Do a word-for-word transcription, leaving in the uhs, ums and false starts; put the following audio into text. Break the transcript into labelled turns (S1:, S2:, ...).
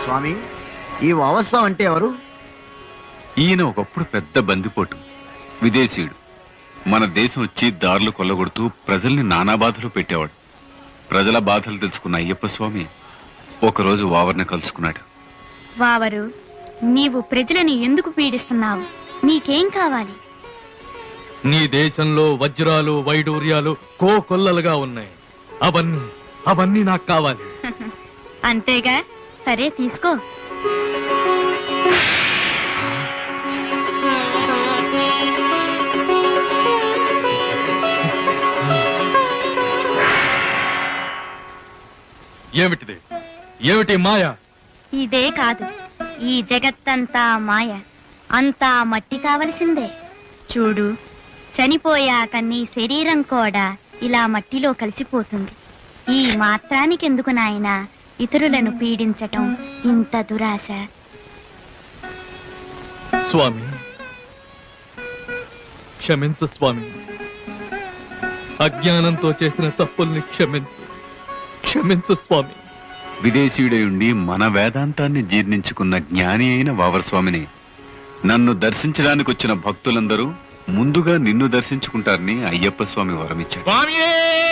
S1: స్వామి, ఈ వావత్సం అంటే ఎవరు?
S2: ఈయన ఒకప్పుడు పెద్ద బందిపోటు, విదేశీయుడు. మన దేశం వచ్చి దారులు కొల్లగొడుతూ ప్రజల్ని నానా బాధలు పెట్టేవాడు. ప్రజల బాధలు తెలుసుకున్న అయ్యప్ప స్వామి ఒకరోజు వావర్ని కలుసుకున్నాడు.
S3: వావరు, నీవు ప్రజలని ఎందుకు పీడిస్తున్నావు? నీకేం కావాలి?
S4: నీ దేశంలో వజ్రాలు వైడూర్యాలు కోకొల్లలుగా ఉన్నాయి. అవన్నీ అవన్నీ నాకు కావాలి.
S3: అంతేగా, సరే తీసుకో.
S4: ఏమిటిది? ఏమిటి మాయ?
S3: ఇదే కాదు, ఈ జగత్తంతా మాయ, అంతా మట్టి కావలసిందే. చూడు, చనిపోయాక నీ శరీరం కూడా ఇలా మట్టిలో కలిసిపోతుంది. ఈ మాత్రానికెందుకు నాయనా ఇతరులను పీడించటం, ఇంత దురాశ?
S4: స్వామి, క్షమించు స్వామి. అజ్ఞానంతో చేసిన తప్పుల్ని క్షమించు, క్షమించు స్వామి.
S2: విదేశీయుడై ఉండి మన వేదాంతాన్ని జీర్ణించుకున్న జ్ఞాని అయిన వావర్ స్వామిని నన్ను దర్శించడానికి వచ్చిన భక్తులందరూ ముందుగా నిన్ను దర్శించుకుంటారని అయ్యప్ప స్వామి వరమిచ్చాడు.
S4: స్వామియే